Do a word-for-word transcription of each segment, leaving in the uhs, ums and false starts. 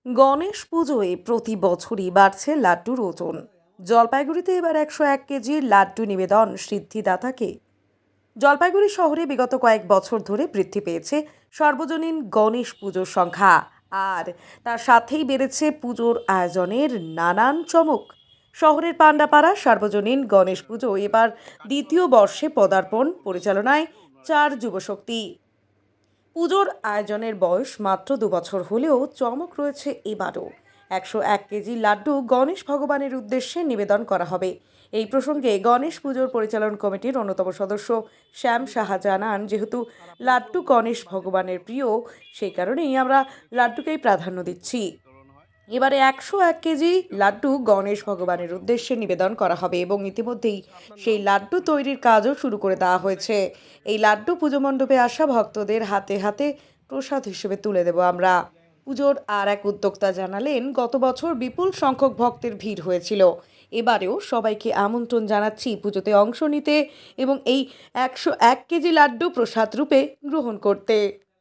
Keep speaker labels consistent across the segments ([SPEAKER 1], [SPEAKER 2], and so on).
[SPEAKER 1] গণেশ পুজোয় প্রতি বছরই বাড়ছে লাড্ডুর ওজন। জলপাইগুড়িতে এবার একশো এক কেজির লাড্ডু নিবেদন সিদ্ধিদাতাকে। জলপাইগুড়ি শহরে বিগত কয়েক বছর ধরে বৃদ্ধি পেয়েছে সর্বজনীন গণেশ পুজোর সংখ্যা, আর তার সাথেই বেড়েছে পুজোর আয়োজনের নানান চমক। শহরের পান্ডাপাড়া সার্বজনীন গণেশ পুজো এবার দ্বিতীয় বর্ষে পদার্পণ, পরিচালনায় চার যুবশক্তি। পুজোর আয়োজনের বয়স মাত্র দু বছর হলেও চমক রয়েছে এবারও। একশো এক কেজি লাড্ডু গণেশ ভগবানের উদ্দেশ্যে নিবেদন করা হবে। এই প্রসঙ্গে গণেশ পুজোর পরিচালন কমিটির অন্যতম সদস্য শ্যাম সাহা জানান, যেহেতু লাড্ডু গণেশ ভগবানের প্রিয়, সেই কারণেই আমরা লাড্ডুকেই প্রাধান্য দিচ্ছি। এবারে একশো এক কেজি লাড্ডু গণেশ ভগবানের উদ্দেশ্যে নিবেদন করা হবে এবং ইতিমধ্যেই সেই লাড্ডু তৈরির কাজও শুরু করে দেওয়া হয়েছে। এই লাড্ডু পুজো মণ্ডপে আসা ভক্তদের হাতে হাতে প্রসাদ হিসেবে তুলে দেব আমরা। পুজোর আর এক উদ্যোক্তা জানালেন, গত বছর বিপুল সংখ্যক ভক্তের ভিড় হয়েছিল। এবারেও সবাইকে আমন্ত্রণ জানাচ্ছি পুজোতে অংশ নিতে এবং এই একশো এক কেজি লাড্ডু প্রসাদ রূপে গ্রহণ করতে।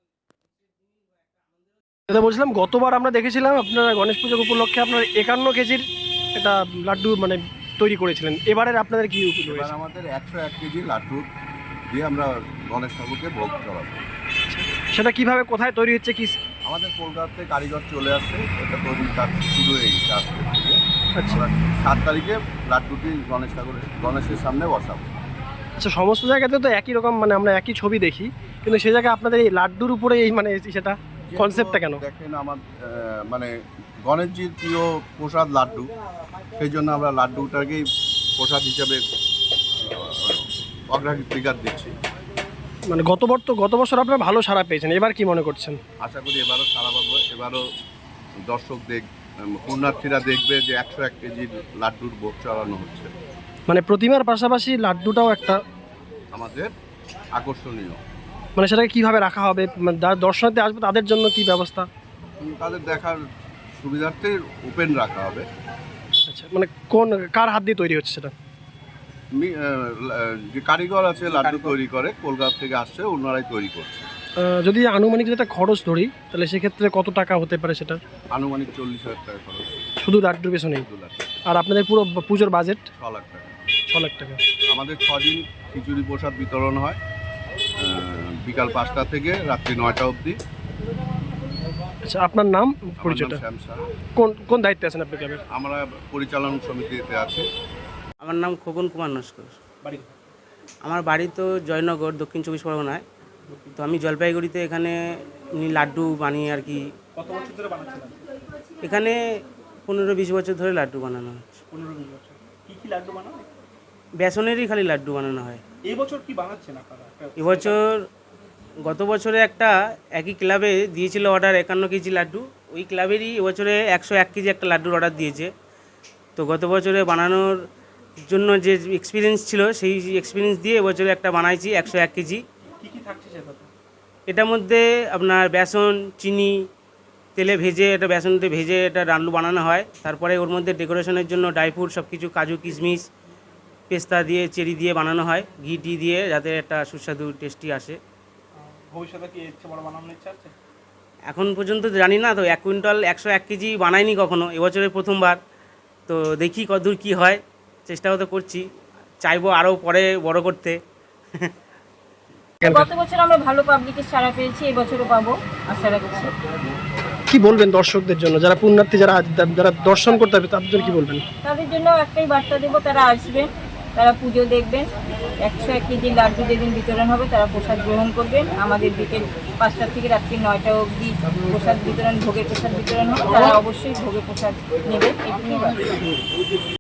[SPEAKER 2] এটা বলছিলাম, গতবার আমরা দেখেছিলাম আপনারা গণেশ পুজো উপলক্ষে আপনার একান্ন কেজির একটা লাড্ডু মানে তৈরি করেছিলেন। এবারের আপনাদের কি
[SPEAKER 3] এবার আমাদের একশো এক কেজি লাড্ডু দিয়ে আমরা গণেশ ঠাকুরকে ভোগ করাবো।
[SPEAKER 2] সেটা কিভাবে, কোথায় তৈরি হচ্ছে, কি?
[SPEAKER 3] আমাদের কলকাতাতে কারিগর চলে আসছে, এটা তৈরির কাজ শুরু হয়ে গেছে আজকে থেকে।
[SPEAKER 2] আচ্ছা,
[SPEAKER 3] আমরা সাত তারিখে লাড্ডুটি গণেশ ঠাকুরের গণেশের সামনে বসাবো।
[SPEAKER 2] আচ্ছা, সমস্ত জায়গাতে তো একই রকম, মানে আমরা একই ছবি দেখি, কিন্তু সেই জায়গায় আপনাদের এই লাড্ডুর উপরে এই মানে সেটা কনসেপ্টটা কেন?
[SPEAKER 3] দেখেন, আমার মানে গণেশজির প্রিয় প্রসাদ লাড্ডু, সেই জন্য আমরা লাড্ডুটাকেই প্রসাদ হিসাবে অগ্রাধিকার দিচ্ছি।
[SPEAKER 2] মানে গতবার তো গত বছর আপনারা ভালো সাড়া পেয়েছেন, এবার কি মনে করছেন?
[SPEAKER 3] আশা করি এবারও সারা পাবো। এবারও দর্শক দেখ পুণ্যার্থীরা দেখবে যে একশো এক কেজির লাড্ডুর ভোগ চড়ানো হচ্ছে।
[SPEAKER 2] মানে প্রতিমার পাশাপাশি লাড্ডুটাও একটা
[SPEAKER 3] আমাদের আকর্ষণীয়।
[SPEAKER 2] মানে সেটাকে কীভাবে রাখা হবে, মানে যারা দর্শনার্থী আসবে তাদের জন্য কি ব্যবস্থা?
[SPEAKER 3] তাদের দেখার সুবিধার্থে ওপেন রাখা হবে।
[SPEAKER 2] আচ্ছা, মানে কোন কার হাত দিয়ে তৈরি হচ্ছে সেটা?
[SPEAKER 3] মি- আহ, যে কারিগর আছে লাড্ডু তৈরি করে, কলকাতা থেকে আসছে, ওনারাই তৈরি করছে।
[SPEAKER 2] আহ, যদি আনুমানিক যেটা খরচ ধরি, তাহলে সেক্ষেত্রে কত টাকা হতে পারে সেটা?
[SPEAKER 3] আনুমানিক চল্লিশ হাজার টাকা খরচ।
[SPEAKER 2] শুধু লাড্ডুর পেছনেই?
[SPEAKER 3] দু লাখ
[SPEAKER 2] আর আপনাদের পুরো পুজোর বাজেট?
[SPEAKER 3] ছ লাখ টাকা।
[SPEAKER 2] ছ লাখ টাকা।
[SPEAKER 3] আমাদের ছদিন খিচুড়ি প্রসাদ বিতরণ হয়, আহ, বিকাল পাঁচটা থেকে রাত্রি নয়টা অবধি।
[SPEAKER 2] আচ্ছা, আপনার নাম,
[SPEAKER 3] আমার নাম
[SPEAKER 2] পরিচয়টা?
[SPEAKER 3] শ্যাম সাহা।
[SPEAKER 2] কোন কোন দায়িত্বে আছেন আপনি ক্লাবের?
[SPEAKER 3] আমরা পরিচালন সমিতিতে আছি।
[SPEAKER 4] আমার নাম খোকন কুমার নস্কর।
[SPEAKER 2] বাড়ি?
[SPEAKER 4] আমার বাড়ি তো জয়নগর, দক্ষিণ চব্বিশ পরগনায়। তো আমি জলপাইগুড়িতে এখানে এমনি লাড্ডু বানিয়ে আর কি।
[SPEAKER 2] কত বছর ধরে বানাচ্ছেন?
[SPEAKER 4] এখানে পনেরো বিশ বছর ধরে লাড্ডু বানানো হচ্ছে।
[SPEAKER 2] পনেরো বিশ বছর। কী কী লাড্ডু বানানো?
[SPEAKER 4] বেসনেরই খালি লাড্ডু বানানো হয়।
[SPEAKER 2] এই বছর কি বানাচ্ছেন আপনারা?
[SPEAKER 4] এবছর, গত বছরে একটা একই ক্লাবে দিয়েছিল অর্ডার একান্ন কেজি লাড্ডু, ওই ক্লাবেরই এবছরে একশো এক কেজি একটা লাড্ডুর অর্ডার দিয়েছে। তো গত বছরে বানানোর জন্য যে এক্সপিরিয়েন্স ছিল, সেই এক্সপিরিয়েন্স দিয়ে এবছরে একটা বানাইছি একশো এক কেজি।
[SPEAKER 2] কী কী থাকছে সেটাতে?
[SPEAKER 4] এটার মধ্যে আপনার বেসন, চিনি, তেলে ভেজে, এটা বেসনতে ভেজে এটা লাড্ডু বানানো হয়। তারপরে ওর মধ্যে ডেকোরেশনের জন্য ড্রাই ফ্রুট সব কিছু, কাজু কিশমিশ পেস্তা দিয়ে, চেরি দিয়ে বানানো হয়, ঘি টি দিয়ে, যাতে একটা সুস্বাদু টেস্টি আসে।
[SPEAKER 2] ভবিষ্যতে কি ইচ্ছে বড় বানানোর ইচ্ছা আছে?
[SPEAKER 4] এখন পর্যন্ত জানি না, তো এক কুইন্টাল একশো এক কেজি বানাইনি কখনো, এবছরে প্রথমবার। তো দেখি কতদূর কী হয়, চেষ্টাও তো করছি, চাইবো আরও পরে বড় করতে।
[SPEAKER 5] গত বছর আমরা ভালো পাবলিকের সাড়া পেয়েছি, এবছরও পাবো আশা রাখছি।
[SPEAKER 2] কি বলবেন দর্শকদের জন্য, যারা পুণ্যার্থী, যারা যারা দর্শন করতে হবে তাদের জন্য কি বলবেন?
[SPEAKER 5] তাদের জন্য একটাই বার্তা দেবো, তারা আসবেন, তারা পুজো দেখবেন। একশো এক কেজি লাড্ডু যেদিন বিতরণ হবে তারা প্রসাদ গ্রহণ করবেন। আমাদের বিকেল পাঁচটা থেকে রাত্রি নয়টা অবধি প্রসাদ বিতরণ, ভোগের প্রসাদ বিতরণ হবে, তারা অবশ্যই ভোগের প্রসাদ নেবেন। এটুকুই বার্তা।